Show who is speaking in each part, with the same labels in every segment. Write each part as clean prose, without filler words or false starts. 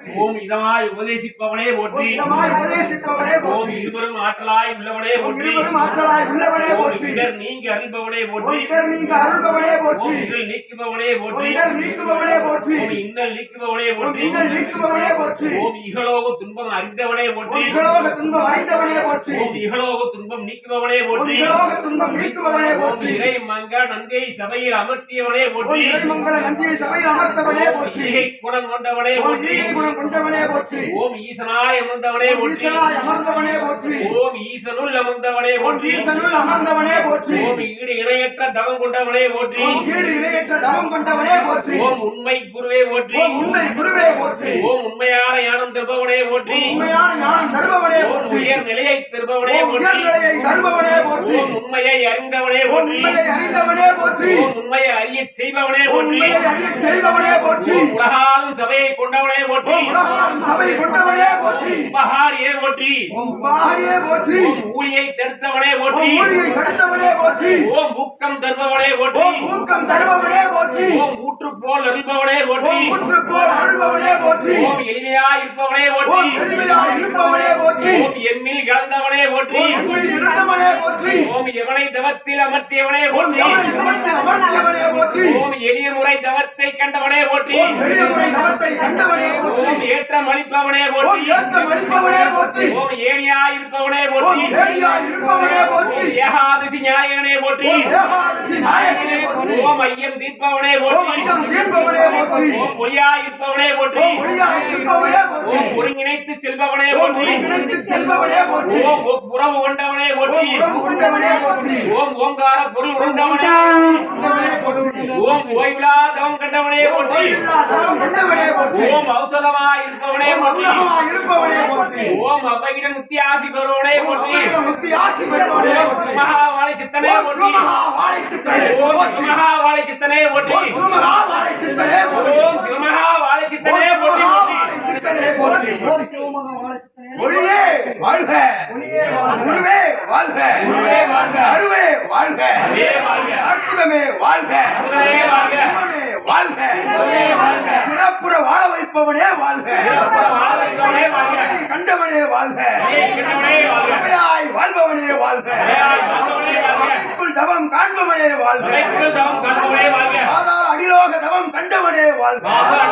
Speaker 1: ஓம் இதமாய் உபதேசிப்பவனே போற்றி. ஓம் இருவரும் ஆற்றலாய் உள்ளவனே போற்றி. ஓம் இடர் நீங்கி அருள்பவனே போற்றி. ஓம் இடர் நீக்குபவனே போற்றி. ஓம் இன்னல் நீக்குபவனே போற்றி. ஓம் இகலோக துன்பம் அறிந்தவனே போற்றி. ஓம் இகலோக துன்பம் நீக்குபவனே போற்றி. ஓம் இறை மங்க நந்தை சபையில் அமர்த்தியவனே போற்றி. ஈகை குணம் கொண்டவனே போற்றி. ஓம் ஈசனாய் அமர்ந்தவனே போற்றி. ஓம் ஈசனுள் அமர்ந்தவனே போற்றி. ஓம் ஈடு இணையற்ற தவம் கொண்டவனே போற்றி. ஓம் உண்மை குருவே போற்றி. ஓம் உண்மையான ஞானம் தருபவனே போற்றி. ஓம் உயர் நிலையை தருபவனே போற்றி. ஓம் உண்மையை அறிந்தவனே போற்றி. ஓம் உண்மையை அறிய செய்பவனே போற்றி. ஓம் உலகாலும் சபையை கொண்டவனே போற்றி. உபகாரியே போற்றி. ஓம் ஊழியை தடுத்தவனே போற்றி. ஓம் ஊக்கம் தருபவனே போற்றி. ஓம் ஊற்று போல் அருள்பவனே போற்றி. ஓம் எளிமையாய் இருப்பவனே போற்றி. ஓம் எம்மில் கலந்தவனே போற்றி. ஓம் எவனை தவத்தில் அமர்த்தியவனே போற்றி. ஓம் எளிய முறை தவத்தை கண்டவனே போற்றி. ஓம் ஏற்றம் அளிப்பவனே போற்றி. ஓம் ஏனியாய் இருப்பவனே போற்றி. ஓம் ஏகாதசி நாயகனே போற்றி. ஓம் ஐயம் தீர்ப்பவனே போற்றி. ஓம் ஒளியாய் இருப்பவனே போற்றி. ஓம் ஒருங்கிணைத்து செல்பவனே போற்றி. ஓம் உறவு கொண்டவனே போற்றி. ஓம் ஓங்கார பொருள் கொண்டவனே. ஓம் ஓய்விலா தவம் கண்டவனே போற்றி. ஓம் ஔஷதமாய் இருப்பவனே போற்றி. ஓம் அபகிட முக்தி ஆசி பெறுவனே போற்றி. ஓம் சிவமகாவாளி சித்தனே போற்றி. ஓம் சிவமகாவாளி சித்தனே போற்றி. ஓம் சிவமகாவாளி சித்தனே போற்றி.
Speaker 2: ஒளியே வாழ்க, குருவே வாழ்க, அருவே வாழ்க, அற்புதமே வாழ்க, வாழ்க, சிறப்புற வாழ வைப்பவனே வாழ்க, கண்டவனே வாழ்க, வாழ்பவனே வாழ்க, தவம் காண்பவனே வாழ்க, ஆதார அடிலோக தவம் கண்டவனே வாழ்க,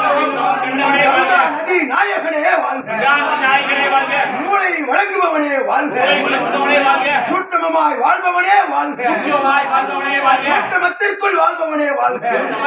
Speaker 2: நதி நாயகனே வாழ்க, மூளை வழங்குபவனே வாழ்க, சூட்சமமாய் வாழ்பவனே வாழ்க, சூட்சமத்திற்குள் வாழ்பவனே வாழ்க,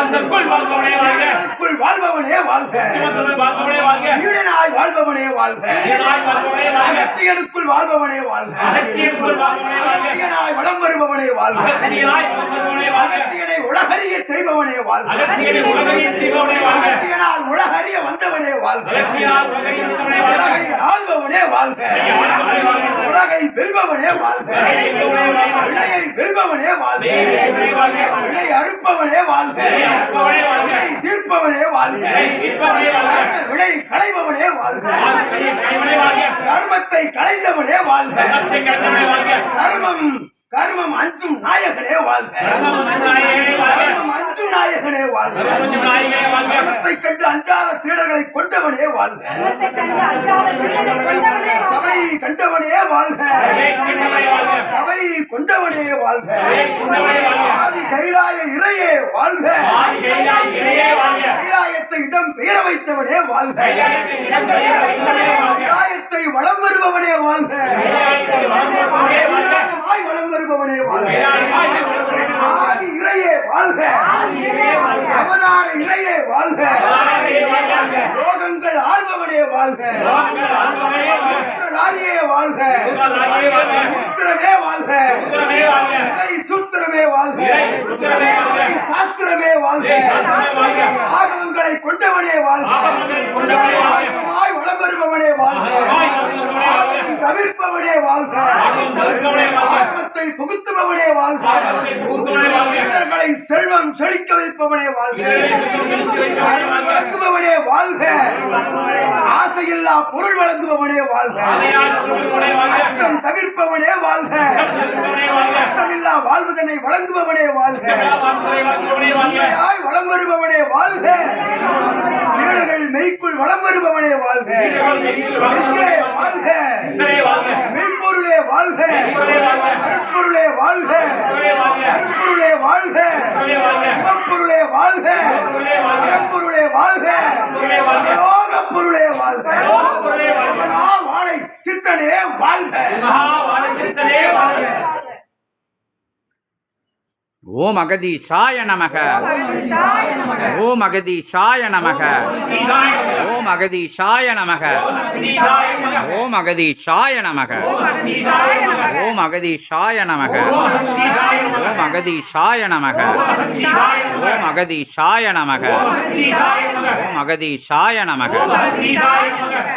Speaker 2: வாழ்பவனே வாழ்க, ஈடனாய் வாழ்பவனே வாழ்க, அகத்தியனுக்குள் வாழ்பவனே வாழ்க, அகத்தியனாய் வலம் வருபவனே வாழ்க, அகத்தியனை உலகறிய செய்பவனே வாழ்க, அகத்தியனால் உலகறிய வந்தவனே வாழ்க, உலகை ஆள்பவனே வாழ்க, உலகை வெல்பவனே வாழ்க, வினையை வெல்பவனே வாழ்க, வினை அறுப்பவனே வாழ்க, வினை தீர்ப்பவனே வாழ்க, வினை களைபவனே வாழ்க, கர்மத்தை களைந்தவனே வாழ்க, கர்மம் அஞ்சும் நாயகனே வாழ்க, அஞ்சும் நாயகனே வாழ்க, கர்மத்தை கண்டு அஞ்சாத சீடர்களை கொண்டவனே வாழ்க, சபை கண்டவனே வாழ்க, சபை கொண்டவனே வாழ்க, ஆதி கைலாய இறையே வாழ்க, கைலாயத்தை இடம் பெயர வைத்தவனே வாழ்க, கைலாயத்தை வலம் வருபவனே வாழ்க, வலம் வருபவனே வாழ்க, ஆதி இறையே வாழ்க, அவதார இறையே வாழ்க, லோகங்கள் ஆள்பவனே வாழ்க, சூத்திரதாரியே வாழ்க, சூத்திரமே வாழ்க, சூத்திரமே வாழ்க, சாஸ்திரமே வாழ்க, ஆகமங்களை கொண்டவனே வாழ்க, வலம் வருபவனே வாழ்க, தவிர்ப்பவனே வாழ்க, ஆகமத்தை புகுத்துபவனே வாழ்க, மனிதர்களை செல்வம் செழிக்க வைப்பவனே வாழ்க, வழங்குபவனே வாழ்க, ஆசை ஆசையில்லா பொருள் வழங்குபவனே வாழ்க அச்சம் தவிர்ப்பவனே வாழ்க அச்சமில்லா வாழ்வதனை வழங்குபவனே வாழ்க உண்மையாய் வளம் வருபவனே வாழ்க சீடர்கள் மெய்க்குள் வளம் வருபவனே வாழ்க மெய்யே வாழ்க மெய்ப்பொருளே வாழ்க அருட்பொருளே வாழ்க அருட்பொருளே வாழ்க சிவப்பொருளே வாழ்க பரம்பொருளே வாழ்க யோகப் பொருளே வாழ்க மகா வாழை சித்தனே வாழ்க
Speaker 3: ஓம் அகதீஷாய நமக ஓம் அகதீஷாய நமக ஓம் அகதீஷாய நமக ஓம் அகதீஷாய நமக ஓம் அகதீஷாய நமக ஓம் அகதீஷாய நமக ஓம் அகதீஷாய நமக ஓம் அகதீஷாய நமக